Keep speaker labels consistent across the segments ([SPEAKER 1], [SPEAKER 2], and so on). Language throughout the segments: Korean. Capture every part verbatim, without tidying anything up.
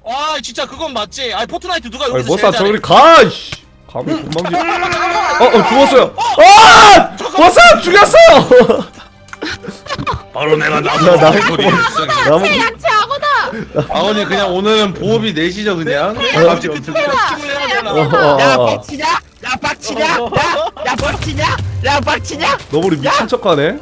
[SPEAKER 1] 아 진짜 그건 맞지. 아 포트나이트 누가
[SPEAKER 2] 아니
[SPEAKER 1] 여기서
[SPEAKER 2] 머싸
[SPEAKER 1] 제일 잘해?
[SPEAKER 2] 저리 가! 이씨 감히 건방지 어! 어 죽었어요! 아! 머싸 죽였어!
[SPEAKER 3] 바로 내가
[SPEAKER 2] 야,
[SPEAKER 3] 나무
[SPEAKER 2] 나무
[SPEAKER 3] 소리
[SPEAKER 2] 나무
[SPEAKER 4] 양치 악어다.
[SPEAKER 3] 아버님 그냥 오늘은 보험이 내시죠 그냥.
[SPEAKER 1] 어,
[SPEAKER 3] 갑자기
[SPEAKER 1] 그
[SPEAKER 3] 어떻게
[SPEAKER 1] 팀을 해야 되나?
[SPEAKER 2] 어, 어,
[SPEAKER 5] 야
[SPEAKER 2] 어.
[SPEAKER 5] 빡치냐? 야 빡치냐? 야, 야 빡치냐? 야 빡치냐?
[SPEAKER 2] 너구리 미친 척하네?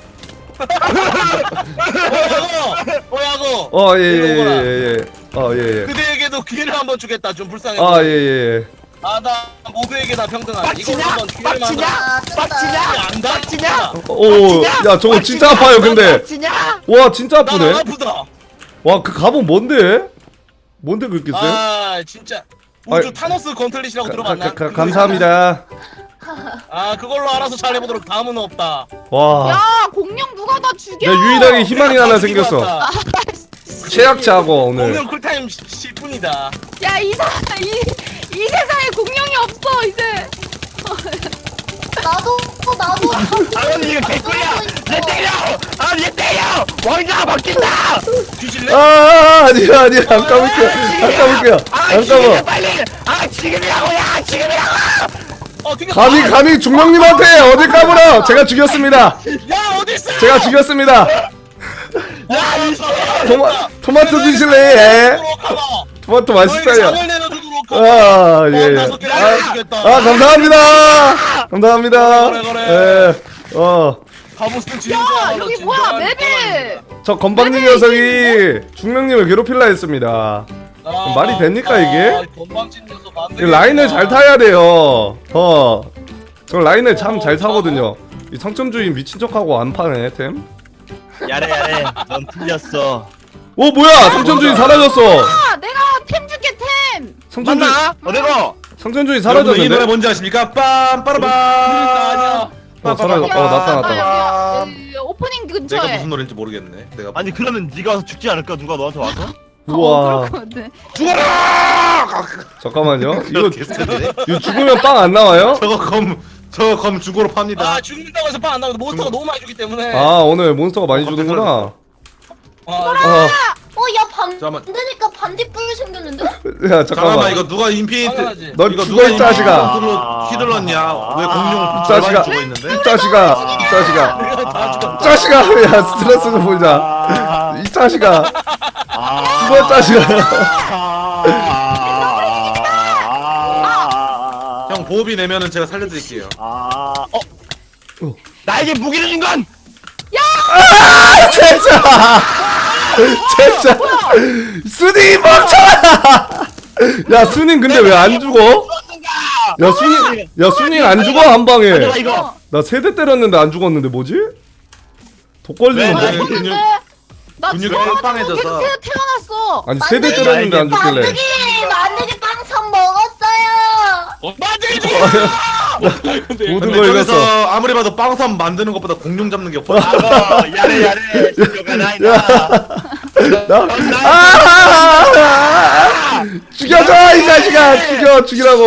[SPEAKER 1] 뭐야고?
[SPEAKER 2] 어 예예예예 어 예예
[SPEAKER 1] 그대에게도 기회를 한번 주겠다. 좀 불쌍해.
[SPEAKER 2] 아 예예예
[SPEAKER 1] 아나 모두에게 다 평등하다. 이걸로
[SPEAKER 5] 빡치냐?
[SPEAKER 1] 한번 기회를
[SPEAKER 5] 빡치냐?
[SPEAKER 1] 만들어.
[SPEAKER 5] 빡치냐?
[SPEAKER 1] 안다.
[SPEAKER 5] 빡치냐?
[SPEAKER 2] 오야 저거 진짜 아파요 근데
[SPEAKER 5] 빡치냐?
[SPEAKER 2] 와 진짜
[SPEAKER 1] 나안
[SPEAKER 2] 아프네
[SPEAKER 1] 아프다.
[SPEAKER 2] 와 그 갑옷 뭔데? 뭔데 그렇게 쎄?
[SPEAKER 1] 아 진짜 우주
[SPEAKER 2] 아이,
[SPEAKER 1] 타노스 건틀릿이라고 들어봤나?
[SPEAKER 2] 가, 가, 가, 감사합니다
[SPEAKER 1] 아 그걸로 알아서 잘해보도록. 다음은 없다.
[SPEAKER 2] 와
[SPEAKER 4] 야 공룡 누가 다 죽여.
[SPEAKER 2] 내 유일하게 희망이 하나 생겼어
[SPEAKER 1] 왔다.
[SPEAKER 2] 최악자고 오늘
[SPEAKER 1] 공룡 쿨타임 십 분이다.
[SPEAKER 4] 야이 사, 이, 이 세상에 공룡이 없어 이제.
[SPEAKER 6] 나도 나도
[SPEAKER 5] 아버님 이거 개꿀이야. 얘 때려. 아얘 때려. 왕자가 바뀐다.
[SPEAKER 1] 뒤질래?
[SPEAKER 2] 아, 아 아니야 아니야 안 까볼게요 안 까볼게요
[SPEAKER 5] 아
[SPEAKER 2] 안
[SPEAKER 5] 지금이야
[SPEAKER 2] 까봐
[SPEAKER 5] 빨리. 아 지금이라고 야 지금이라고.
[SPEAKER 1] 어, 되게
[SPEAKER 2] 감히
[SPEAKER 1] 아,
[SPEAKER 2] 감히 중령님한테 어딜 까불어 제가 죽였습니다
[SPEAKER 1] 야 어디 있어?
[SPEAKER 2] 제가 죽였습니다
[SPEAKER 1] 야 이
[SPEAKER 2] 토마, 토마토 드실래? 예. 토마토 맛있어요
[SPEAKER 1] 장을 내려주도록 하고.
[SPEAKER 2] 아, 예, 예.
[SPEAKER 1] 다섯 개를
[SPEAKER 2] 아,
[SPEAKER 1] 알려주겠다.
[SPEAKER 2] 아, 감사합니다. 감사합니다.
[SPEAKER 1] 그래, 그래,
[SPEAKER 2] 예. 어,
[SPEAKER 1] 가보스는 진짜.
[SPEAKER 4] 야 여기 뭐야 맵이.
[SPEAKER 2] 저 건방진 녀석이 중령님을 괴롭힐라 했습니다. 말이 됩니까, 이게?
[SPEAKER 1] 건방진 녀석 안
[SPEAKER 2] 이
[SPEAKER 1] 되겠다.
[SPEAKER 2] 라인을 잘 타야 돼요. 어, 저 라인을 참 잘 타거든요. 이 상점주의 미친 척하고 안 파네, 템.
[SPEAKER 5] 야래 야래. 넌 틀렸어.
[SPEAKER 2] 오, 뭐야! 상점주의 사라졌어!
[SPEAKER 4] 아 내가 템 줄게 템.
[SPEAKER 2] 상점주의,
[SPEAKER 5] 맞나? 어디고?
[SPEAKER 2] 상점주의
[SPEAKER 3] 여러분들 이 노래
[SPEAKER 2] 사라졌는데?
[SPEAKER 3] 뭔지 아십니까? 빰 빠라밤.
[SPEAKER 1] 아니야.
[SPEAKER 2] 어, 사라졌,
[SPEAKER 4] 야,
[SPEAKER 2] 어, 나타났다.
[SPEAKER 4] 나 여기, 여기 오프닝
[SPEAKER 3] 내가
[SPEAKER 4] 근처에.
[SPEAKER 3] 무슨 노래인지 모르겠네. 내가
[SPEAKER 5] 아니 그러면 네가 와서 죽지 않을까? 누가 너한테 와서?
[SPEAKER 2] 우와.
[SPEAKER 3] 죽어라!
[SPEAKER 2] 잠깐만요. 이거,
[SPEAKER 3] 개쎄네.
[SPEAKER 2] 이거 죽으면 빵 안 나와요?
[SPEAKER 3] 저거 검 저거 검 주고로 팝니다.
[SPEAKER 1] 아 죽는다고 해서 빵 안 나오는데 몬스터가 너무 많이 주기 때문에.
[SPEAKER 2] 아, 오늘 몬스터가 많이
[SPEAKER 3] 어,
[SPEAKER 2] 주는구나.
[SPEAKER 1] 아,
[SPEAKER 2] 아,
[SPEAKER 6] 어야
[SPEAKER 3] 잠깐만.
[SPEAKER 6] 반대니까 반딧불 생겼는데?
[SPEAKER 2] 야,
[SPEAKER 3] 잠깐만
[SPEAKER 2] 잠깐만.
[SPEAKER 3] 이거 누가 인피니트
[SPEAKER 1] 당연하지.
[SPEAKER 2] 넌
[SPEAKER 3] 이거
[SPEAKER 2] 죽어,
[SPEAKER 3] 누가
[SPEAKER 2] 이 자식아.
[SPEAKER 3] 인피니트로 휘둘렀냐? 왜 공룡
[SPEAKER 2] 자식아.
[SPEAKER 3] 절반이 죽어 있는데?
[SPEAKER 2] 이 자식아, 이 자식아,
[SPEAKER 1] 내가 다 죽었다.
[SPEAKER 2] 이 자식아, 야 스트레스 좀 보자. 이 자식아, 죽어 자식아.
[SPEAKER 3] 형 보호비 내면은 제가 살려드릴게요.
[SPEAKER 5] 아, 어? 나에게 무기를 준 건!
[SPEAKER 2] 아, 진짜, 진짜. 순이 멈춰라. 야, 순이 근데 왜 안 죽어? 야, 순이, 야, 순이 안 죽어 한 방에.
[SPEAKER 5] 가져가 이거!
[SPEAKER 2] 나 세대 때렸는데 안 죽었는데 뭐지? 독 걸리는
[SPEAKER 3] 왜?
[SPEAKER 2] 거?
[SPEAKER 3] 네, 근육-
[SPEAKER 4] 나
[SPEAKER 3] 근육이
[SPEAKER 4] 죽어가지고
[SPEAKER 3] 빵빵해져서.
[SPEAKER 4] 계속 태- 태어났어.
[SPEAKER 2] 아니 세대 때렸는데 안 죽길래.
[SPEAKER 6] 만두기 만두기 빵선 먹었어요.
[SPEAKER 1] 만들기 죽어.
[SPEAKER 2] 모든
[SPEAKER 3] 근데
[SPEAKER 2] 걸
[SPEAKER 3] 저기서
[SPEAKER 2] 잃었어.
[SPEAKER 3] 아무리 봐도 빵섬 만드는 것보다 공룡 잡는 게 훨씬
[SPEAKER 5] 아고 야래 야래 죽여가 나이다
[SPEAKER 2] 나, 아! 죽여줘 이 자식아, 죽여 죽이라고.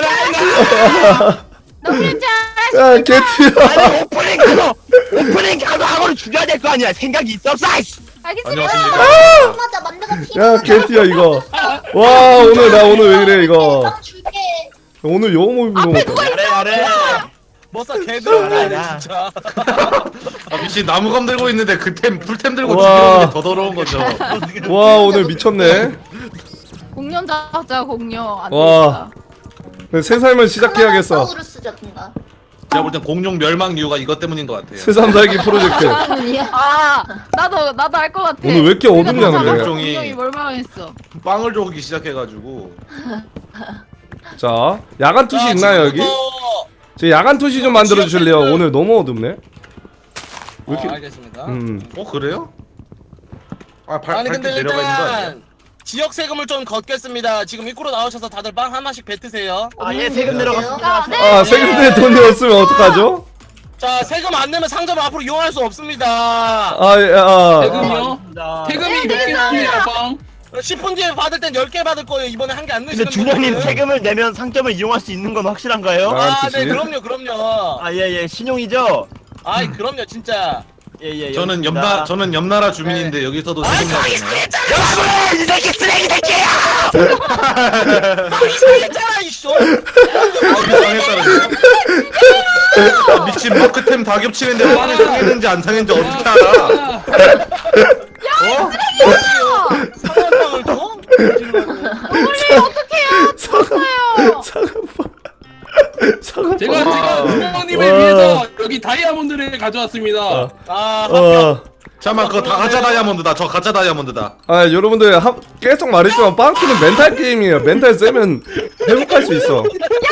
[SPEAKER 4] 나 그랬지
[SPEAKER 2] 야, 개튀어.
[SPEAKER 5] 아니 오프닝 가서 오프닝 가서 하고는 죽여야 될 거 아니야 생각이 있어 싸이씨
[SPEAKER 4] 알겠습니다.
[SPEAKER 3] 안녕하십니까.
[SPEAKER 6] 맞아 만두가 피.
[SPEAKER 2] 야, 개튀어 이거. 와, 오늘 나 오늘 왜 이래 이거.
[SPEAKER 6] 빵 줄게.
[SPEAKER 2] 오늘 영어 모임 너무.
[SPEAKER 4] 앞에 누가 있어?
[SPEAKER 5] 야래 야래
[SPEAKER 1] 머싸 개들 알아야
[SPEAKER 5] 야.
[SPEAKER 1] 진짜.
[SPEAKER 3] 아 미친 나무검 들고 있는데 그템 풀템 들고
[SPEAKER 2] 와.
[SPEAKER 3] 죽이는 게 더 더러운 거죠.
[SPEAKER 2] 와, 오늘 미쳤네.
[SPEAKER 4] 공룡 잡자 공룡. 안
[SPEAKER 2] 와.
[SPEAKER 4] 되겠다.
[SPEAKER 2] 새 삶을 시작해야겠어.
[SPEAKER 6] 사우루스 잡든가.
[SPEAKER 3] 제가 볼 땐 공룡 멸망 이유가 이것 때문인 것 같아요.
[SPEAKER 2] 새삼 살기 프로젝트.
[SPEAKER 4] 아 나도 나도 알 것 같아.
[SPEAKER 2] 오늘 왜 이렇게 어둡냐, 근데?
[SPEAKER 3] 종이.
[SPEAKER 4] 공룡이 멀망했어.
[SPEAKER 3] 빵을 조기 시작해가지고
[SPEAKER 2] 자, 야간 투시
[SPEAKER 1] 자,
[SPEAKER 2] 있나요 여기?
[SPEAKER 1] 지금부터-
[SPEAKER 2] 제 야간 투시 좀 만들어 주실래요? 오늘 너무 어둡네. 왜
[SPEAKER 1] 어,
[SPEAKER 2] 이렇게?
[SPEAKER 1] 알겠습니다.
[SPEAKER 2] 음.
[SPEAKER 3] 어 그래요? 아 발,
[SPEAKER 1] 아니
[SPEAKER 3] 밝게
[SPEAKER 1] 근데
[SPEAKER 3] 내려가 있는 거 아니야?
[SPEAKER 1] 일단 지역 세금을 좀 걷겠습니다. 지금 입구로 나오셔서 다들 빵 하나씩 뱉으세요.
[SPEAKER 5] 아예 세금
[SPEAKER 6] 아,
[SPEAKER 5] 내려갔습니다
[SPEAKER 6] 네.
[SPEAKER 2] 아, 세금 내 돈이 없으면 어떡하죠?
[SPEAKER 1] 자 세금 안 내면 상점 앞으로 이용할 수 없습니다.
[SPEAKER 2] 아, 예, 아.
[SPEAKER 7] 세금이요? 태금이 몇 개입니다, 빵?
[SPEAKER 1] 십 분 뒤에 받을 땐 열 개 받을 거예요. 이번에 한 개 안
[SPEAKER 5] 근데
[SPEAKER 1] 넣으시는
[SPEAKER 5] 준영님
[SPEAKER 1] 분들은.
[SPEAKER 5] 세금을 내면 상점을 이용할 수 있는 건 확실한가요?
[SPEAKER 2] 아.
[SPEAKER 1] 아,
[SPEAKER 2] 야간
[SPEAKER 1] 네,
[SPEAKER 2] 투시?
[SPEAKER 1] 그럼요, 그럼요.
[SPEAKER 5] 아 예예 신용이죠?
[SPEAKER 1] 아이, 그럼요, 진짜.
[SPEAKER 5] 예예
[SPEAKER 3] 저는 옆나 저는 옆나라 주민인데 여기서도 세금 내잖아요.
[SPEAKER 5] 여러분 이 새끼 쓰레기 새끼야!
[SPEAKER 1] 했잖아 이씨.
[SPEAKER 3] 아, 이상했다는 거. 미친 마크템 다 겹치는데 빵이 상했는지 안 상했는지 어떻게 알아? 어?
[SPEAKER 1] 상한 빵을 줘?
[SPEAKER 4] 어머니 어떡해요? 죽었어요.
[SPEAKER 2] 사과빵. 사과빵.
[SPEAKER 7] 제가 제가 부모님을
[SPEAKER 2] 와.
[SPEAKER 7] 위해서 여기 다이아몬드를 가져왔습니다.
[SPEAKER 1] 아
[SPEAKER 2] 어.
[SPEAKER 3] 잠깐만 그거 다 가짜 다이아몬드다. 저 가짜 다이아몬드다.
[SPEAKER 2] 아 여러분들 하, 계속 말했지만 빵꾸는 멘탈 게임이에요. 멘탈 세면 회복할 수 있어.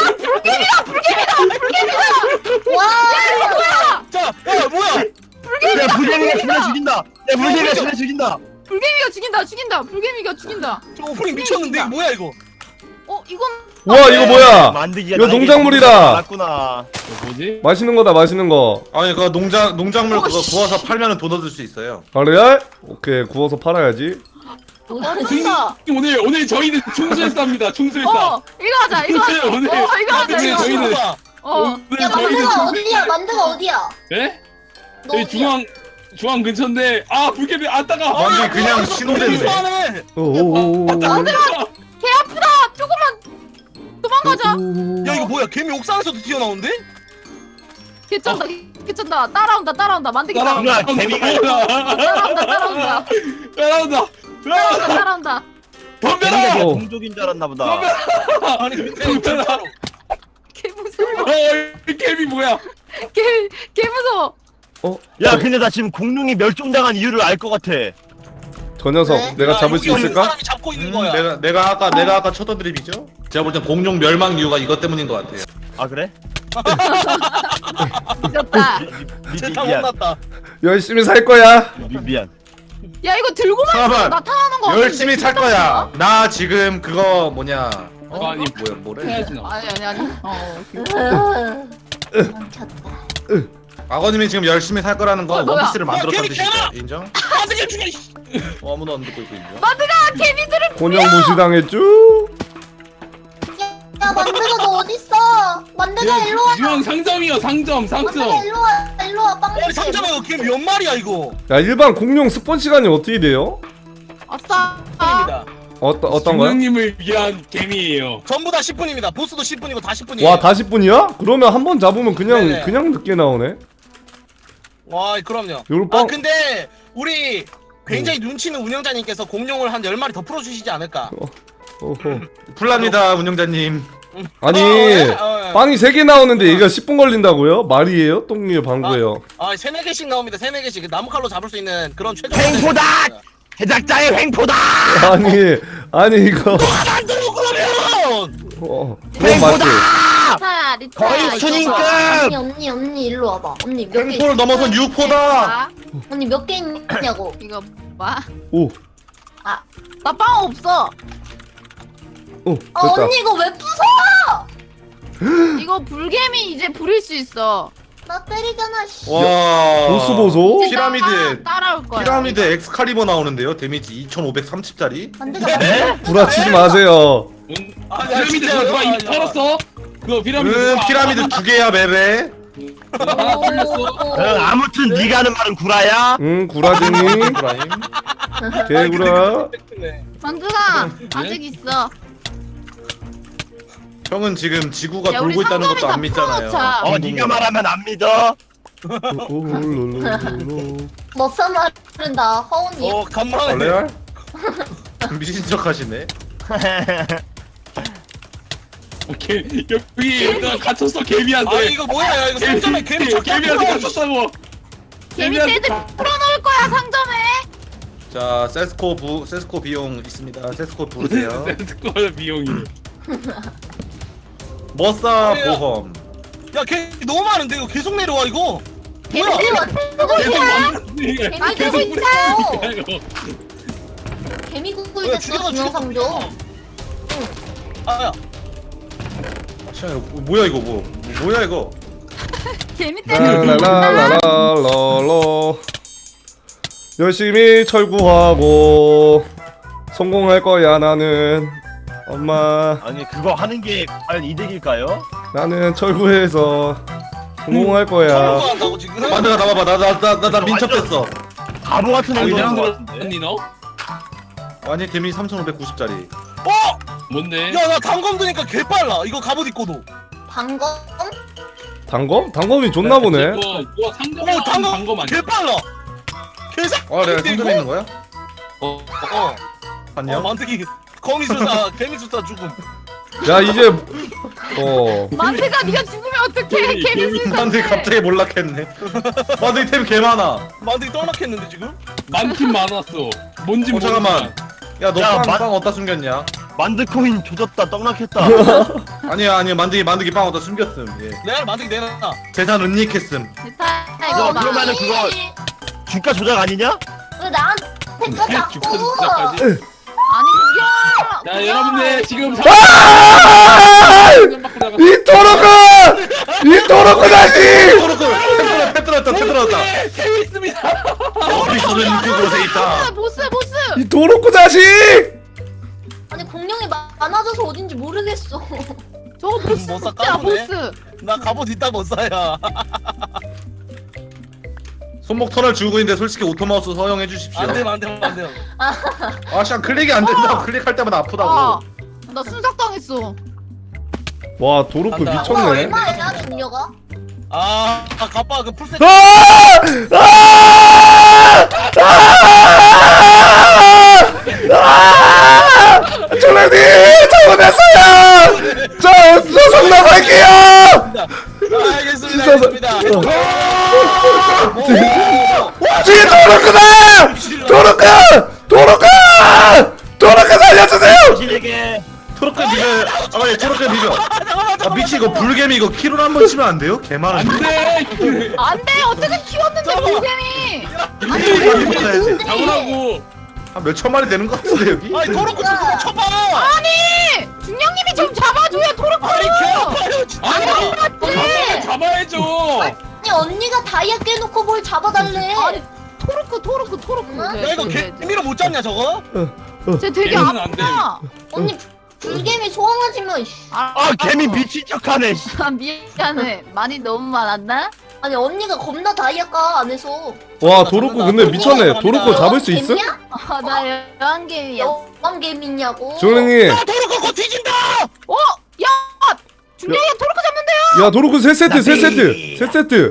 [SPEAKER 6] 와.
[SPEAKER 1] 자, 야 뭐야?
[SPEAKER 5] 야 불개미가 진짜 죽인다. 야 불개미가 진짜 죽인다.
[SPEAKER 4] 불개미가 죽인다 죽인다 불개미가 죽인다.
[SPEAKER 1] 저 오프닝 미쳤는데 이거 뭐야 이거?
[SPEAKER 4] 어 이건
[SPEAKER 2] 와 이거 뭐야?
[SPEAKER 5] 만드기가
[SPEAKER 2] 이거
[SPEAKER 5] 나에게
[SPEAKER 2] 농작물이다.
[SPEAKER 5] 맞구나.
[SPEAKER 7] 뭐지?
[SPEAKER 2] 맛있는 거다 맛있는 거.
[SPEAKER 3] 아니 그거 농작 농작물 그거 구워서 팔면은 돈 얻을 수 있어요.
[SPEAKER 2] 아 레알? 오케이 구워서 팔아야지.
[SPEAKER 4] 맛있다.
[SPEAKER 7] 오늘 오늘 저희는 충술사입니다. 충술사.
[SPEAKER 4] 어 이거 하자 이거 하자.
[SPEAKER 7] 오늘-
[SPEAKER 4] 어 이거 하자
[SPEAKER 7] 오늘
[SPEAKER 4] 이거.
[SPEAKER 7] 저희는-
[SPEAKER 1] 봐.
[SPEAKER 4] 어.
[SPEAKER 7] 오늘
[SPEAKER 6] 야
[SPEAKER 7] 저희는
[SPEAKER 6] 만드가
[SPEAKER 7] 충-
[SPEAKER 6] 어디야? 만드가 어디야?
[SPEAKER 7] 네?
[SPEAKER 6] 너
[SPEAKER 7] 여기
[SPEAKER 6] 어디야?
[SPEAKER 7] 중앙 중앙 근처인데 아 불개미 안 따가.
[SPEAKER 3] 완전 그냥 신호대네.
[SPEAKER 1] 이상하네.
[SPEAKER 2] 오오오.
[SPEAKER 4] 개 아프다. 조금만 도망가자.
[SPEAKER 1] 야 이거 뭐야? 개미 옥상에서도 튀어나오는데?
[SPEAKER 4] 개 쩐다 개 쩐다. 따라온다 따라온다 만들기 따라온다.
[SPEAKER 5] 누나 개미가
[SPEAKER 4] 따라온다 따라온다
[SPEAKER 7] 따라온다.
[SPEAKER 4] 따라온다 따라온다.
[SPEAKER 5] 개미가
[SPEAKER 7] 덤벼라.
[SPEAKER 5] 내
[SPEAKER 2] 어.
[SPEAKER 5] 동족인 줄 알았나 보다.
[SPEAKER 1] 아니 근데 진짜로.
[SPEAKER 4] 개 무서워.
[SPEAKER 7] 어, 이 개미 뭐야?
[SPEAKER 4] 개개 무서워.
[SPEAKER 5] 야 근데 나 지금 공룡이 멸종당한 이유를 알 것 같아.
[SPEAKER 2] 저 녀석
[SPEAKER 6] 네?
[SPEAKER 2] 내가
[SPEAKER 1] 야,
[SPEAKER 2] 잡을 수
[SPEAKER 1] 여기
[SPEAKER 2] 있을까?
[SPEAKER 1] 사람이 잡고 있는
[SPEAKER 3] 음,
[SPEAKER 1] 거야.
[SPEAKER 3] 내가 내가 아까 내가 아까 쳐던 드립이죠? 제가 볼 땐 공룡 멸망 이유가 이것 때문인 것 같아요.
[SPEAKER 5] 아 그래?
[SPEAKER 4] 미쳤다.
[SPEAKER 5] 미, 미, 미,
[SPEAKER 1] 제타
[SPEAKER 5] 미안.
[SPEAKER 1] 혼났다.
[SPEAKER 2] 열심히 살 거야.
[SPEAKER 5] 미, 미안.
[SPEAKER 4] 야 이거 들고만 있어
[SPEAKER 3] 잠깐만.
[SPEAKER 4] 나타나는 거 같은데.
[SPEAKER 3] 열심히 살 거야. 나 지금 그거 뭐냐?
[SPEAKER 7] 어, 아니
[SPEAKER 3] 뭐야 뭐래?
[SPEAKER 7] 해야지 나.
[SPEAKER 4] 아니 아니 아니. 어.
[SPEAKER 6] 멈췄다.
[SPEAKER 3] 아버님이 지금 열심히 살 거라는 건
[SPEAKER 4] 어, 뭐야?
[SPEAKER 3] 원피스를 만들었다는
[SPEAKER 1] 야, 개미
[SPEAKER 3] 뜻이죠. 인정?
[SPEAKER 1] 어떻게 죽여? 이씨.
[SPEAKER 3] 어, 아무도 안 듣고 있고 인정?
[SPEAKER 4] 만드가 개미들을
[SPEAKER 2] 곤영 무시당했쥬?
[SPEAKER 6] 야 만드가 너 어딨어? 만드가 일로 와.
[SPEAKER 7] 중앙 상점이요 상점
[SPEAKER 6] 만드가
[SPEAKER 7] 상점.
[SPEAKER 6] 일로 와. 일로 와. 빵.
[SPEAKER 1] 아니 상점에 이거 개미 몇 마리야 이거?
[SPEAKER 2] 야 일반 공룡 스폰 시간이 어떻게 돼요?
[SPEAKER 4] 아싸.
[SPEAKER 1] 분입니다.
[SPEAKER 2] 어떤 어떤 거요?
[SPEAKER 7] 중령님을 위한 개미예요.
[SPEAKER 1] 전부 다 십 분입니다. 보스도 십 분이고 다 십 분이에요.
[SPEAKER 2] 와 다 십 분이야? 그러면 한 번 잡으면 그냥
[SPEAKER 1] 네네.
[SPEAKER 2] 그냥 늦게 나오네.
[SPEAKER 1] 와 그럼요.
[SPEAKER 2] 요런
[SPEAKER 1] 아
[SPEAKER 2] 빵.
[SPEAKER 1] 근데 우리 굉장히 눈치 있는 운영자님께서 공룡을 한 열 마리 더 풀어주시지 않을까?
[SPEAKER 2] 어허.
[SPEAKER 3] 풀랍니다 운영자님.
[SPEAKER 2] 아니
[SPEAKER 1] 어, 예? 어, 예.
[SPEAKER 2] 빵이 세 개 나오는데 얘가 십 분 걸린다고요? 말이에요? 똥이에요? 방구예요?
[SPEAKER 1] 아 세네 개씩 나옵니다. 세네 개씩 나무 칼로 잡을 수 있는 그런 최종.
[SPEAKER 5] 횡포다! 해작자의 횡포다!
[SPEAKER 2] 아니 아니 이거
[SPEAKER 1] 만들어 그러면.
[SPEAKER 2] 어, 그건 맞지.
[SPEAKER 4] 자 리타.
[SPEAKER 5] 거의
[SPEAKER 4] 이거
[SPEAKER 5] 순임급!
[SPEAKER 4] 봐.
[SPEAKER 6] 언니 언니 언니 일로 와봐. 언니 몇 개?
[SPEAKER 3] 횡포를 넘어선 유포다.
[SPEAKER 6] 언니 몇 개 있냐고.
[SPEAKER 4] 이거 봐.
[SPEAKER 2] 오,
[SPEAKER 4] 나 빵 없어.
[SPEAKER 2] 오
[SPEAKER 6] 아
[SPEAKER 2] 됐다.
[SPEAKER 6] 언니 이거 왜 부숴?
[SPEAKER 4] 이거 불개미 이제 부릴 수 있어.
[SPEAKER 6] 나 때리잖아. 씨.
[SPEAKER 3] 와.
[SPEAKER 2] 보스 보소.
[SPEAKER 4] 이제
[SPEAKER 3] 피라미드.
[SPEAKER 4] 따라- 따라올 거야.
[SPEAKER 3] 피라미드 엑스칼리버 나오는데요. 데미지 이천오백삼십짜리.
[SPEAKER 6] 만드가
[SPEAKER 5] 네?
[SPEAKER 6] 만드가.
[SPEAKER 2] 구라치지 마세요.
[SPEAKER 7] 응?
[SPEAKER 1] 아, 야,
[SPEAKER 7] 피라미드
[SPEAKER 1] 진짜요?
[SPEAKER 7] 누가
[SPEAKER 1] 아,
[SPEAKER 7] 이미
[SPEAKER 1] 야.
[SPEAKER 7] 털었어? 그거 피라미드
[SPEAKER 3] 응
[SPEAKER 7] 누가
[SPEAKER 3] 피라미드 두 개야 맵에.
[SPEAKER 7] 하나 털렸어.
[SPEAKER 5] 응, 아무튼 네가 하는 말은 구라야.
[SPEAKER 2] 응 구라쟁이
[SPEAKER 3] 브라임.
[SPEAKER 2] 개구라.
[SPEAKER 4] 만두가 아직 있어.
[SPEAKER 3] 형은 지금 지구가
[SPEAKER 4] 야, 우리
[SPEAKER 3] 돌고 있다는 것도
[SPEAKER 4] 상점에다
[SPEAKER 3] 안 믿잖아요.
[SPEAKER 4] 풀어놓자.
[SPEAKER 5] 어 네가 말하면 안 믿어.
[SPEAKER 6] 멋사 마른다. 허언니.
[SPEAKER 1] 어
[SPEAKER 3] 아,
[SPEAKER 1] 간만에.
[SPEAKER 3] 레알? 미친 척 하시네.
[SPEAKER 7] 오케이 여기 여기가 갇혔어 개미한테.
[SPEAKER 1] 아 이거 뭐야? 야, 이거 상점에 개미 쳤다.
[SPEAKER 7] 개미한테 갇혔다고.
[SPEAKER 4] 개미
[SPEAKER 7] 개미한테
[SPEAKER 4] 떼들 풀어놓을 거야 상점에.
[SPEAKER 3] 자 세스코 부 세스코 비용 있습니다. 세스코 부르세요.
[SPEAKER 7] 스쿼드 비용이.
[SPEAKER 3] 머싸
[SPEAKER 1] 그래요.
[SPEAKER 3] 보험.
[SPEAKER 1] 야개 너무 많은데 이거 계속 내려와 이거. 뭐야?
[SPEAKER 6] 개미 만들고
[SPEAKER 7] 계속
[SPEAKER 6] 있어.
[SPEAKER 7] 만드는
[SPEAKER 6] 아,
[SPEAKER 7] 계속
[SPEAKER 6] 계속
[SPEAKER 7] 뿌리는
[SPEAKER 6] 있어.
[SPEAKER 7] 이거.
[SPEAKER 6] 개미
[SPEAKER 1] 뭐야,
[SPEAKER 6] 구굴
[SPEAKER 1] 죽여서
[SPEAKER 6] 됐어 동영상도.
[SPEAKER 1] 아야.
[SPEAKER 3] 자, 이거 뭐야 이거 뭐 뭐야 이거?
[SPEAKER 4] 개미 떼들.
[SPEAKER 2] 라라라라라라. 열심히 철구하고 성공할 거야 나는. 엄마
[SPEAKER 5] 아니 그거 하는 게 과연 이득일까요?
[SPEAKER 2] 나는 철구해서 성공할 거야.
[SPEAKER 1] 철거 한다고 지금?
[SPEAKER 3] 만드가 나와봐. 나 나 나 나 나 민첩됐어.
[SPEAKER 5] 바보 같은
[SPEAKER 7] 아,
[SPEAKER 5] 행동인 것
[SPEAKER 7] 그냥
[SPEAKER 5] 같은데.
[SPEAKER 7] 언니 너?
[SPEAKER 3] 아니 데미지 삼천오백구십짜리.
[SPEAKER 1] 어?
[SPEAKER 7] 뭔데?
[SPEAKER 1] 야 나 단검 드니까 개 빨라. 이거 갑옷 입고도.
[SPEAKER 6] 방검?
[SPEAKER 2] 단검? 단검이 좋나 보네.
[SPEAKER 7] 그거 그거
[SPEAKER 1] 어
[SPEAKER 7] 상점에
[SPEAKER 1] 단검
[SPEAKER 7] 단검
[SPEAKER 1] 개
[SPEAKER 7] 아니야?
[SPEAKER 1] 빨라. 개사.
[SPEAKER 3] 아 내가 손들에 있는 거야?
[SPEAKER 1] 어. 어.
[SPEAKER 3] 안녕.
[SPEAKER 1] 어 만드기 거미술사 개미술사 죽음.
[SPEAKER 2] 야 이제 어
[SPEAKER 4] 만드가 네가 죽으면 어떡해?
[SPEAKER 7] 개미,
[SPEAKER 4] 개미술
[SPEAKER 3] 만드기 갑자기 몰락했네. 만드기 템 개 많아.
[SPEAKER 1] 만드기 떡락했는데 지금?
[SPEAKER 7] 많긴 많았어. 뭔지
[SPEAKER 3] 어 잠깐만.
[SPEAKER 7] 모르겠지만.
[SPEAKER 3] 야너
[SPEAKER 5] 야,
[SPEAKER 3] 빵
[SPEAKER 5] 만-
[SPEAKER 3] 빵 어디다 숨겼냐?
[SPEAKER 5] 만드코인 조졌다 떡락했다.
[SPEAKER 3] 아니야 아니야 만드기 만드기 빵 어디다 숨겼음. 예.
[SPEAKER 1] 내가 만드기 내놔.
[SPEAKER 3] 재산 은닉했음.
[SPEAKER 4] 됐다
[SPEAKER 5] 야,
[SPEAKER 4] 이거 봐.
[SPEAKER 5] 그러면은 그거 주가 조작 아니냐?
[SPEAKER 6] 왜 나한테 거
[SPEAKER 7] 주가
[SPEAKER 6] 자꾸?
[SPEAKER 7] 조작까지.
[SPEAKER 4] 아니 구경.
[SPEAKER 7] 자 여러분들 지금
[SPEAKER 2] 아! 이 토로크! 이 토로크 다시!
[SPEAKER 3] 토르크 템 들었다 템 들었다.
[SPEAKER 7] 재밌습니다.
[SPEAKER 3] 어디서든 그곳에 있다.
[SPEAKER 4] 보스 보스.
[SPEAKER 2] 이 토로크 자식!
[SPEAKER 6] 아니 공룡이 마- 많아져서 어딘지 모르겠어.
[SPEAKER 4] 저거 보스
[SPEAKER 1] 못 사,
[SPEAKER 4] 야
[SPEAKER 1] 까부네.
[SPEAKER 4] 보스.
[SPEAKER 1] 나 갑옷 있다 못 사야.
[SPEAKER 3] 손목 터널 주고 있는데 솔직히 오토마우스 허용해 주십시오.
[SPEAKER 1] 안돼 안돼 안돼.
[SPEAKER 3] 아 씨 클릭이 안 된다고 클릭할 때마다 아프다고.
[SPEAKER 4] 아, 나 순삭 당했어.
[SPEAKER 2] 와 도로크
[SPEAKER 1] 간다.
[SPEAKER 6] 와
[SPEAKER 2] 미쳤네.
[SPEAKER 6] 얼마야 중녀가?
[SPEAKER 1] 아, 아 가빠 그 풀셋.
[SPEAKER 2] 아! 아! 아! 아! 졸라님 잘못했어요. 저 소송 나갈게요.
[SPEAKER 1] 아, 알겠습니다
[SPEAKER 2] 진짜
[SPEAKER 1] 알겠습니다.
[SPEAKER 2] 뒤에 도로크다! 도로크! 도로크! 도로크 살려주세요!
[SPEAKER 5] 당신에게
[SPEAKER 3] 토르크 비벼. 아 맞아 토르크 비벼. 아 미치 이거 불개미 이거 키로로 한 번 치면 안 돼요? 개 많은데.
[SPEAKER 7] 안돼.
[SPEAKER 4] 안돼 어떻게 키웠는데
[SPEAKER 1] 잠깐만.
[SPEAKER 4] 불개미.
[SPEAKER 3] 아니
[SPEAKER 7] 잡으라고.
[SPEAKER 3] 한몇 천마리 되는 것 같은데 여기?
[SPEAKER 1] 아니 도로코 좀 쳐봐.
[SPEAKER 4] 아니 중령님이 좀 잡아줘야 토르코.
[SPEAKER 1] 아니 개 아파요 진짜.
[SPEAKER 7] 아니
[SPEAKER 4] 맞지?
[SPEAKER 7] 잡아야죠.
[SPEAKER 6] 아니 언니가 다이아 깨놓고 뭘 잡아달래?
[SPEAKER 4] 아니 토르코 토르코 토르코.
[SPEAKER 6] 응?
[SPEAKER 1] 야 이거 개미로 못 잡냐 저거?
[SPEAKER 4] 쟤 되게
[SPEAKER 7] 개미는 안 돼.
[SPEAKER 4] 아파.
[SPEAKER 6] 언니 불개미 소환하지면 씨.
[SPEAKER 5] 아 개미 미친 척하네. 씨.
[SPEAKER 4] 아 미안해. 많이 너무 많았나?
[SPEAKER 6] 아니 언니가 겁나 다이아까 안에서.
[SPEAKER 2] 와 도로크 근데 미쳤네. 도로크 잡을 수 있음?
[SPEAKER 6] 개미야?
[SPEAKER 4] 아나 여왕개미였어.
[SPEAKER 6] 여왕 개미냐고.
[SPEAKER 2] 조랭이
[SPEAKER 1] 아 도로코 곧 뒤진다.
[SPEAKER 4] 어? 야! 중령이가 토르코 잡는데요?
[SPEAKER 2] 야 도로크 세 세트 세 세트 세 세트.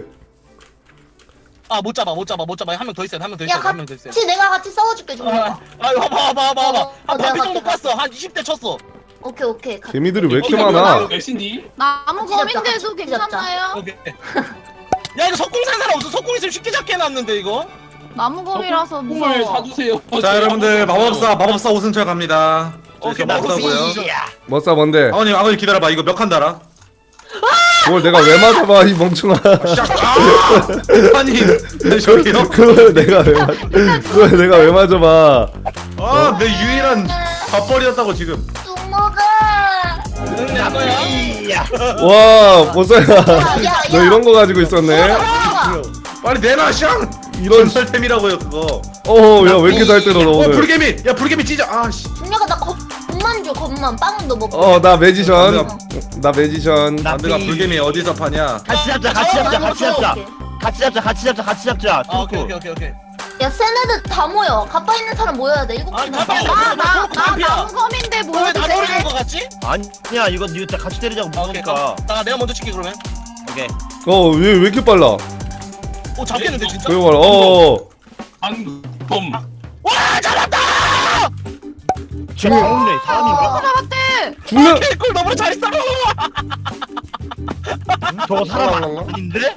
[SPEAKER 1] 아 못 잡아 못 잡아 못 잡아 한 명 더 있어 한 명 더
[SPEAKER 6] 야
[SPEAKER 1] 있어 한 명 더 있어.
[SPEAKER 6] 같이 내가 같이 싸워줄게 좀.
[SPEAKER 1] 아, 아 와봐 와봐 와봐 와봐.
[SPEAKER 6] 어,
[SPEAKER 1] 한
[SPEAKER 6] 내가
[SPEAKER 1] 바퀴 정도
[SPEAKER 6] 갈게,
[SPEAKER 1] 깠어. 한 이십 대 쳤어.
[SPEAKER 6] 오케이 오케이. 가-
[SPEAKER 2] 개미들이 왜 이렇게
[SPEAKER 7] 어,
[SPEAKER 2] 많아?
[SPEAKER 7] 몇인디?
[SPEAKER 4] 나무
[SPEAKER 6] 같이 잡자,
[SPEAKER 4] 검인데도
[SPEAKER 6] 같이 잡자.
[SPEAKER 4] 괜찮나요?
[SPEAKER 1] 오케이. 야 이거 석궁 산 사람 없어? 석궁 있으면 쉽게 잡게 해놨는데 이거.
[SPEAKER 4] 나무 검이라서
[SPEAKER 7] 콩을
[SPEAKER 4] 무서워.
[SPEAKER 7] 사주세요.
[SPEAKER 3] 자 여러분들 마법사 마법사 오승철 갑니다.
[SPEAKER 1] 오케이,
[SPEAKER 3] 저 마법사고요.
[SPEAKER 2] 머싸 뭔데?
[SPEAKER 3] 아버님 아버님 기다려봐 이거 몇 칸 달아?
[SPEAKER 2] 그걸 내가 왜 맞아봐 이 멍청아.
[SPEAKER 3] 샥! 아! 아니 네, 저기요?
[SPEAKER 2] 그걸 내가 왜 맞? 그걸 내가 왜 맞아봐?
[SPEAKER 3] 아내 유일한 밥벌이였다고 지금.
[SPEAKER 6] 뚱먹아.
[SPEAKER 1] 응, 내 거야.
[SPEAKER 2] 와 머싸야.
[SPEAKER 6] 야,
[SPEAKER 2] 너
[SPEAKER 6] 야.
[SPEAKER 2] 이런 거 가지고 있었네.
[SPEAKER 6] 뚱먹아.
[SPEAKER 3] 빨리 내놔 샹!
[SPEAKER 2] 이런.
[SPEAKER 3] 전설템이라고요 그거.
[SPEAKER 2] 어야 왜 이렇게 잘 때려 너
[SPEAKER 3] 어
[SPEAKER 2] 오늘?
[SPEAKER 3] 불개미! 야 불개미 찢어! 아씨.
[SPEAKER 6] 중녀가 나 겁만 줘 겁만 빵도 먹고.
[SPEAKER 2] 어 나 매지션. 나 매지션.
[SPEAKER 3] 남들가 불개미 어디서 파냐?
[SPEAKER 5] 같이 잡자 같이 잡자 같이 잡자. 같이 잡자 같이 잡자 같이 잡자.
[SPEAKER 1] 아 오케이
[SPEAKER 5] 토르코.
[SPEAKER 1] 오케이 오케이 오케이.
[SPEAKER 6] 야 세네들 다 모여. 가빠 있는 사람 모여야 돼. 일곱
[SPEAKER 1] 아니,
[SPEAKER 6] 명.
[SPEAKER 1] 가빠 있는
[SPEAKER 4] 나, 나,
[SPEAKER 1] 토르코
[SPEAKER 4] 나
[SPEAKER 1] 반피야.
[SPEAKER 4] 나무 검인데
[SPEAKER 1] 너왜
[SPEAKER 4] 뭐여도
[SPEAKER 1] 나
[SPEAKER 4] 돼?
[SPEAKER 1] 노리는 거 같지?
[SPEAKER 5] 아니야 이거 이거 다 같이 때리자고
[SPEAKER 1] 아 오케이.
[SPEAKER 5] 무서우니까.
[SPEAKER 1] 나 내가 먼저 칠게 그러면.
[SPEAKER 5] 오케이.
[SPEAKER 2] 어왜 왜 이렇게 빨라?
[SPEAKER 1] 오 잡겠는데 진짜?
[SPEAKER 2] 왜 빨라? 어.
[SPEAKER 7] 방금.
[SPEAKER 5] 지금 없네 사람인가?
[SPEAKER 4] 잡았대.
[SPEAKER 2] 중력.
[SPEAKER 1] 개꿀 너무 잘했어.
[SPEAKER 5] 저거 사람 아닌데?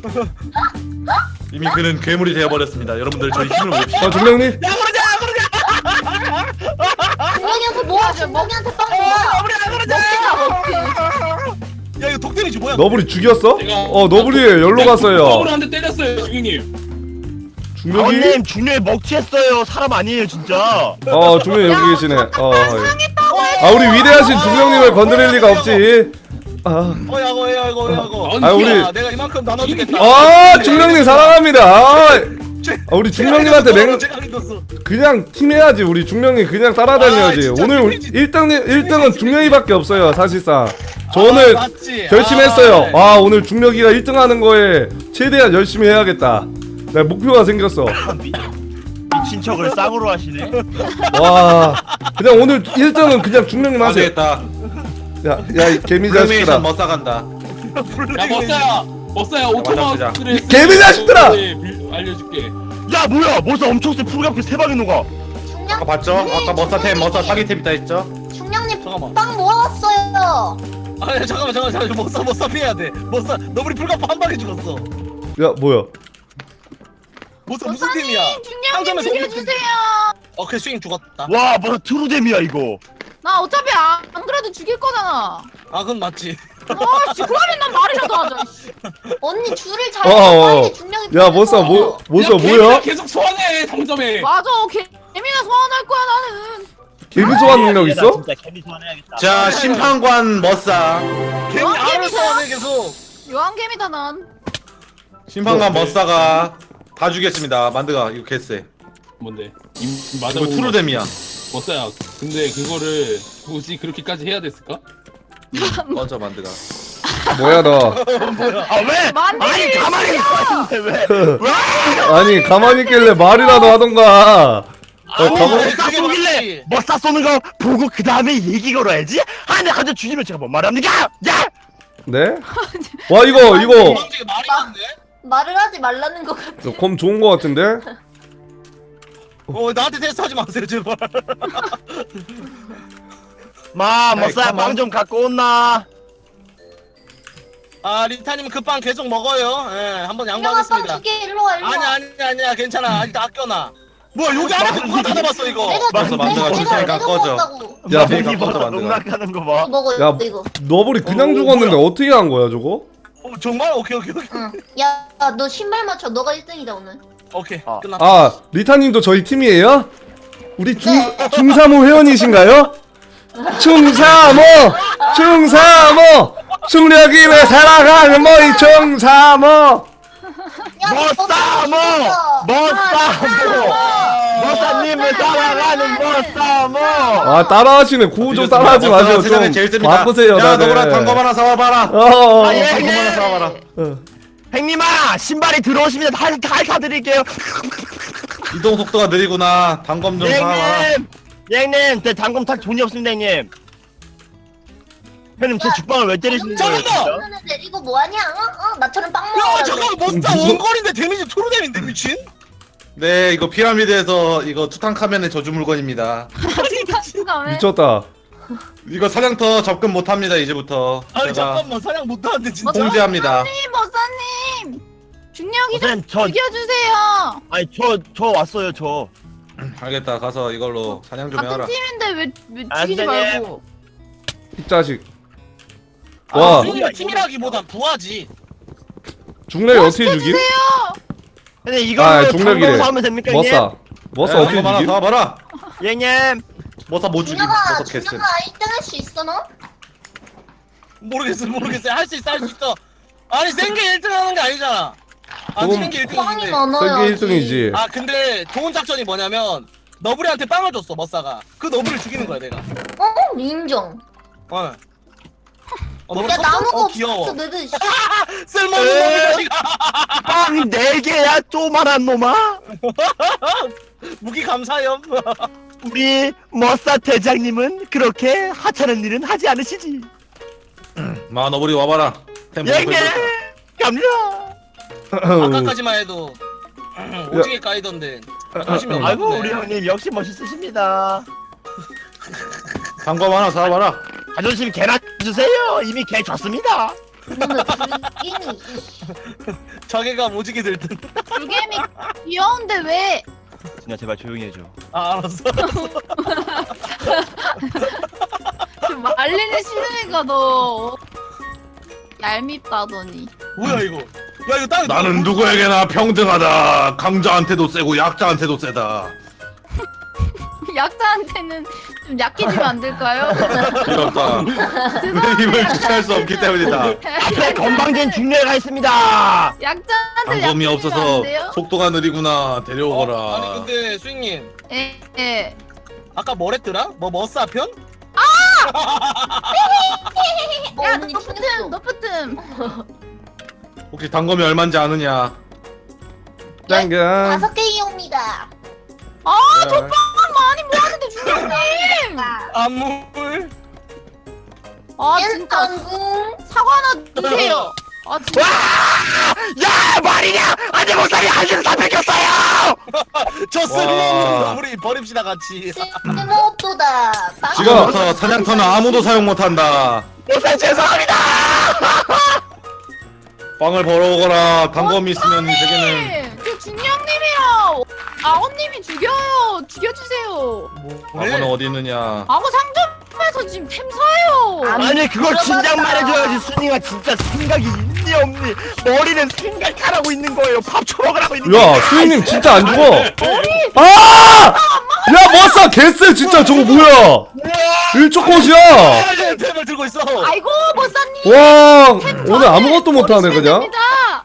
[SPEAKER 3] 이미 그는 괴물이 되어버렸습니다. 여러분들 저희 힘을 봅시다.
[SPEAKER 2] 아 중령님.
[SPEAKER 1] 야 그러자 그러자.
[SPEAKER 6] 중령이한테 모아. 중령이한테 빵 모아.
[SPEAKER 1] 너블이 안 그러자. 야 이거 독데미지 뭐야?
[SPEAKER 2] 너블이 죽였어?
[SPEAKER 7] 제가-
[SPEAKER 2] 어 너블이 열로 갔어요.
[SPEAKER 7] 더블 한대 때렸어요 중형님.
[SPEAKER 2] 중력이?
[SPEAKER 5] 아버님 중요에 먹튀했어요. 사람 아니에요 진짜.
[SPEAKER 2] 어 중력 여기 계시네. 어. 예.
[SPEAKER 4] 상했다고 해.
[SPEAKER 2] 아 우리 위대하신 중령님을 건드릴 리가 없지. 아.
[SPEAKER 1] 어야 이거 야 이거 야 이거.
[SPEAKER 2] 아, 우리-
[SPEAKER 1] 야, 내가 이만큼 나눠주겠다.
[SPEAKER 2] 아 중령님 사랑합니다. 아, 아 우리 중령님한테 맹
[SPEAKER 1] 제가 믿었어.
[SPEAKER 2] 그냥 팀해야지. 우리 중령님 그냥 따라다녀야지.
[SPEAKER 1] 아, 진짜
[SPEAKER 2] 오늘
[SPEAKER 1] 팀이지.
[SPEAKER 2] 일 등 일 등은 중령이밖에 없어요 사실상. 저
[SPEAKER 1] 아,
[SPEAKER 2] 오늘
[SPEAKER 1] 맞지.
[SPEAKER 2] 결심했어요.
[SPEAKER 1] 아, 네.
[SPEAKER 2] 아 오늘 중력이가 일 등 하는 거에 최대한 열심히 해야겠다. 내 목표가 생겼어.
[SPEAKER 5] 미, 미친 척을 쌍으로 하시네.
[SPEAKER 2] 와 그냥 오늘 일 등은 그냥 중령님
[SPEAKER 3] 안
[SPEAKER 2] 하세요.
[SPEAKER 3] 되겠다.
[SPEAKER 2] 야야 이 개미 자식들아.
[SPEAKER 3] 프레메이션 뭐 멋싸간다.
[SPEAKER 7] 야 머싸야 머싸야 오토마스를
[SPEAKER 2] 개미 자식들아!
[SPEAKER 7] 알려줄게.
[SPEAKER 5] 야 뭐야 머싸 엄청 세 풀갑게 세 방에 녹아.
[SPEAKER 6] 중량
[SPEAKER 3] 아까 봤죠? 아까 머싸템 머싸 사기템 있다 했죠?
[SPEAKER 6] 중량님
[SPEAKER 1] 잠깐만.
[SPEAKER 6] 빵 모아왔어요.
[SPEAKER 1] 아니 잠깐만 잠깐만 잠깐만 못사 못사 피해야 돼. 못사 너블이 풀가파 한 방에 죽었어.
[SPEAKER 2] 야 뭐야?
[SPEAKER 1] 못사 무슨 팀이야?
[SPEAKER 4] 중량님
[SPEAKER 1] 상점에서
[SPEAKER 4] 죽여주세요.
[SPEAKER 1] 어 그래 스윙 죽었다.
[SPEAKER 5] 와 머싸 트루뎀이야 이거.
[SPEAKER 4] 나 어차피 안, 안 그래도 죽일 거잖아.
[SPEAKER 1] 아 그건 맞지.
[SPEAKER 4] 아씨 그러면 난 말이라도 하자. 씨.
[SPEAKER 6] 언니 줄을 잘
[SPEAKER 2] 어, 어.
[SPEAKER 6] 빨리 중량이
[SPEAKER 2] 야 못사 뭐 못사
[SPEAKER 7] 야, 개미가
[SPEAKER 2] 뭐야?
[SPEAKER 7] 계속 소환해 상점에.
[SPEAKER 4] 맞아 개미나 소환할 거야 나는.
[SPEAKER 2] 개미 소환 능력
[SPEAKER 5] 나
[SPEAKER 2] 있어?
[SPEAKER 5] 진짜 개미 소환해야겠다.
[SPEAKER 3] 자 심판관 머싸.
[SPEAKER 1] 괜히
[SPEAKER 4] 어,
[SPEAKER 1] 알을
[SPEAKER 4] 개미야?
[SPEAKER 1] 써네 계속.
[SPEAKER 4] 요한개미다 난.
[SPEAKER 3] 심판관 머싸가 다 죽였습니다. 만드가 이거 개쎄.
[SPEAKER 7] 뭔데? 임 맞아.
[SPEAKER 3] 이거 트루뎀이야.
[SPEAKER 7] 머싸야. 근데 그거를 굳이 그렇게까지 해야 됐을까?
[SPEAKER 3] 꺼져 만드가.
[SPEAKER 2] 뭐야 너?
[SPEAKER 5] 아 왜?
[SPEAKER 4] 만두!
[SPEAKER 5] 아니 가만히 있었는데 왜? 왜?
[SPEAKER 2] 아니 가만히 있길래 말이라도 하던가. 어,
[SPEAKER 5] 아니
[SPEAKER 2] 가만-
[SPEAKER 5] 머싸 쏘길래 머싸 쏘는 거 보고 그 다음에 얘기 걸어야지. 아니 가져 죽이면 제가 뭔 말합니까? 야!
[SPEAKER 2] 네? 와 이거 이거
[SPEAKER 1] 도망치기 말이 많네.
[SPEAKER 6] 말을 하지 말라는 것 같아.
[SPEAKER 2] 검 좋은 거 같은데?
[SPEAKER 1] 어 나한테 테스트하지 마세요 제발.
[SPEAKER 5] 마
[SPEAKER 3] 아이,
[SPEAKER 5] 머싸야
[SPEAKER 3] 가만.
[SPEAKER 5] 빵 좀 갖고 온나?
[SPEAKER 1] 아 리타님 그 빵 계속 먹어요. 예 한번
[SPEAKER 6] 중량아 빵
[SPEAKER 1] 양보하겠습니다.
[SPEAKER 6] 두개 일로 와 일로 와.
[SPEAKER 1] 아니 아니 아니야 괜찮아 아직 아껴놔. 뭐야 여기 안에 누가 닫아봤어 이거.
[SPEAKER 6] 내가
[SPEAKER 3] 맞어,
[SPEAKER 6] 내가
[SPEAKER 3] 만두가
[SPEAKER 6] 내가
[SPEAKER 3] 줄테니까
[SPEAKER 6] 내가
[SPEAKER 3] 꺼져.
[SPEAKER 6] 먹었다고.
[SPEAKER 2] 야,
[SPEAKER 5] 야
[SPEAKER 3] 뭐-
[SPEAKER 5] 이
[SPEAKER 3] 깜짝
[SPEAKER 5] 버섯
[SPEAKER 3] 만들어.
[SPEAKER 5] 농락하는 거
[SPEAKER 6] 이거
[SPEAKER 5] 봐.
[SPEAKER 6] 먹어요
[SPEAKER 2] 야,
[SPEAKER 6] 이거.
[SPEAKER 2] 너블이 그냥
[SPEAKER 1] 어,
[SPEAKER 2] 죽었는데 어떻게 한 거야 저거?
[SPEAKER 1] 어, 정말 오케이 오케이 오케이.
[SPEAKER 6] 응. 야 너 신발 맞춰. 너가 일 등이다 오늘.
[SPEAKER 1] 오케이
[SPEAKER 5] 아.
[SPEAKER 1] 끝났다.
[SPEAKER 2] 아 리타님도 저희 팀이에요? 우리 중
[SPEAKER 6] 네.
[SPEAKER 2] 중삼호 회원이신가요? 중삼호 중삼호 중력임에 살아가는 뭐이 중삼호.
[SPEAKER 6] 야,
[SPEAKER 5] 머싸 뭐! 머싸 뭐! 머싸님을 따라가는 머싸 뭐!
[SPEAKER 2] 아 따라하시네. 구호 좀 따라하지
[SPEAKER 3] 머싸가
[SPEAKER 2] 마세요.
[SPEAKER 3] 세상에
[SPEAKER 2] 좀
[SPEAKER 3] 제일 셉니다.
[SPEAKER 2] 바꾸세요
[SPEAKER 3] 야
[SPEAKER 2] 다들.
[SPEAKER 3] 너보라 단검 하나 사와봐라.
[SPEAKER 2] 어, 어,
[SPEAKER 5] 아, 예.
[SPEAKER 3] 단검 하나 사와봐라.
[SPEAKER 2] 어.
[SPEAKER 5] 행님아 신발이 들어오시면 다 사드릴게요.
[SPEAKER 3] 이동 속도가 느리구나. 단검 좀 사와라.
[SPEAKER 5] 형님! 형님! 제 단검 탈 돈이 없습니다 형님. 형님 제 죽방을 왜 때리시는 거예요
[SPEAKER 1] 잠깐만!
[SPEAKER 5] 진짜?
[SPEAKER 6] 너는 내리고 뭐하냐? 어? 어? 나처럼 빵
[SPEAKER 1] 야
[SPEAKER 6] 먹어.
[SPEAKER 1] 잠깐 못사
[SPEAKER 2] 무슨-
[SPEAKER 1] 원거리인데 데미지 토르뎀인데 미친?
[SPEAKER 3] 네 이거 피라미드에서 이거 투탕카멘의 저주 물건입니다.
[SPEAKER 4] 생각해.
[SPEAKER 2] 미쳤다.
[SPEAKER 3] 이거 사냥터 접근 못합니다 이제부터.
[SPEAKER 1] 아니
[SPEAKER 3] 제가
[SPEAKER 1] 잠깐만 사냥 못하는데 진짜.
[SPEAKER 3] 통제합니다.
[SPEAKER 4] 머사님 머사님 중력이 좀
[SPEAKER 5] 선생님 저
[SPEAKER 4] 죽여주세요.
[SPEAKER 5] 아니 저 저 왔어요 저.
[SPEAKER 3] 알겠다 가서 이걸로 사냥 좀 해라.
[SPEAKER 4] 같은 팀인데 왜, 왜
[SPEAKER 5] 안
[SPEAKER 4] 죽이지
[SPEAKER 5] 되네.
[SPEAKER 4] 말고.
[SPEAKER 2] 이 자식.
[SPEAKER 1] 아,
[SPEAKER 2] 와
[SPEAKER 1] 수인이 팀이라기보단 부하지.
[SPEAKER 2] 중력이 어떻게 죽임?
[SPEAKER 4] 주세요.
[SPEAKER 5] 근데
[SPEAKER 2] 아,
[SPEAKER 5] 이걸로
[SPEAKER 2] 중력이래.
[SPEAKER 5] 단검 사면 됩니까 형님?
[SPEAKER 2] 머싸 머싸
[SPEAKER 3] 야,
[SPEAKER 2] 어떻게
[SPEAKER 3] 단검 하나
[SPEAKER 2] 죽임?
[SPEAKER 3] 사와봐라.
[SPEAKER 5] 형님!
[SPEAKER 3] 머싸 못 죽임.
[SPEAKER 6] 준혁아,
[SPEAKER 3] 머싸 개쎄.
[SPEAKER 6] 준혁아 일 등 할 수 있어 너?
[SPEAKER 1] 모르겠어 모르겠어 할 수 있어 할 수 있어. 아니 생계 일 등 하는 게 아니잖아. 아
[SPEAKER 2] 그건
[SPEAKER 1] 생계 일
[SPEAKER 6] 빵이
[SPEAKER 1] 등인데.
[SPEAKER 6] 많아요.
[SPEAKER 2] 세계 일 등이지.
[SPEAKER 1] 아 근데 좋은 작전이 뭐냐면 너브리한테 빵을 줬어 머싸가. 그 너브리를 죽이는 거야 내가.
[SPEAKER 6] 어? 인정.
[SPEAKER 1] 어. 어 너브리
[SPEAKER 6] 야
[SPEAKER 1] 컸어?
[SPEAKER 6] 나무가
[SPEAKER 1] 어 귀여워.
[SPEAKER 6] 없어 너들.
[SPEAKER 1] 쓸모없는 놈이 자식아.
[SPEAKER 5] 빵 네 개야 쪼만한 놈아!
[SPEAKER 1] 무기 감사염.
[SPEAKER 5] 우리 머싸 대장님은 그렇게 하찮은 일은 하지 않으시지.
[SPEAKER 3] 마 너구리 와봐라. 템
[SPEAKER 5] 형님!
[SPEAKER 3] 보여줘.
[SPEAKER 5] 갑니다!
[SPEAKER 1] 아까까지만 해도 오지게 까이던데. 관심이 없네.
[SPEAKER 5] 아이고 우리 형님 역시 멋있으십니다.
[SPEAKER 3] 단검 하나 사와봐라.
[SPEAKER 5] 자존심 개나 주세요. 이미 개 줬습니다.
[SPEAKER 6] 너는 불기니.
[SPEAKER 1] 자기가 오지게 들 듯.
[SPEAKER 4] 불개미 귀여운데 왜?
[SPEAKER 5] 진짜 제발 조용히 해줘.
[SPEAKER 1] 아 알았어.
[SPEAKER 4] 좀 말리는 싫으니까 너 얄밉다더니.
[SPEAKER 1] 뭐야 이거? 야 이거 땅.
[SPEAKER 3] 나는 누구에게나 평등하다. 강자한테도 세고 약자한테도 세다.
[SPEAKER 4] 약자한테는 좀 약해지면 안 될까요?
[SPEAKER 3] 이렇다. 내 힘을 주체할 수 없기 때문이다.
[SPEAKER 5] 앞에 건방진 중례가 있습니다.
[SPEAKER 4] 약자한테
[SPEAKER 3] 단검이
[SPEAKER 4] 약해지면 안
[SPEAKER 3] 없어서
[SPEAKER 4] 돼요?
[SPEAKER 3] 속도가 느리구나. 데려오거라.
[SPEAKER 1] 어? 아니 근데 스윙님
[SPEAKER 4] 예, 예.
[SPEAKER 1] 아까 뭐랬더라? 뭐 머싸 편?
[SPEAKER 6] 어,
[SPEAKER 4] 야,
[SPEAKER 6] 언니
[SPEAKER 4] 너프틈,
[SPEAKER 6] 튕겼어.
[SPEAKER 4] 너프틈.
[SPEAKER 3] 혹시 단검이 얼마인지 아느냐?
[SPEAKER 2] 짱겨.
[SPEAKER 6] 다섯 개 이용입니다.
[SPEAKER 4] 아 족빵 많이 모았는데 중령님.
[SPEAKER 1] 안물.
[SPEAKER 4] 아 진짜
[SPEAKER 6] 일단궁.
[SPEAKER 4] 사과 하나 주세요. 아 진짜.
[SPEAKER 5] 야 말이냐 아니 목사님 한줄 다 뺏겼어요.
[SPEAKER 1] 저 쓸모없는 우리 버립시다 같이.
[SPEAKER 6] 쓸모없도다.
[SPEAKER 3] 지금부터 사냥터는 아무도 사용 못한다.
[SPEAKER 5] 목사님 죄송합니다.
[SPEAKER 3] 빵을 벌어오거라. 단검이 있으면 이 세계는.
[SPEAKER 4] 네, 그 중령님이요. 아버님이 죽여요. 죽여주세요.
[SPEAKER 3] 악어는 어디 있느냐?
[SPEAKER 4] 악어 상점에서 지금 템 사요.
[SPEAKER 5] 아니 그걸 진작 말해줘야지. 순이가 진짜 생각이 있니 없니? 머리는 생각하라고 있는 거예요. 밥 처먹으라고 있는 거예요.
[SPEAKER 2] 야 수인님 진짜 안 죽어. 아! 야 머싸 개쎄 진짜 저거 뭐야? 일초꽃이야.
[SPEAKER 1] 템을 들고 있어.
[SPEAKER 4] 아이고 머싸님.
[SPEAKER 2] 와 오늘 아무것도 못하네 그냥.
[SPEAKER 4] 됩니다.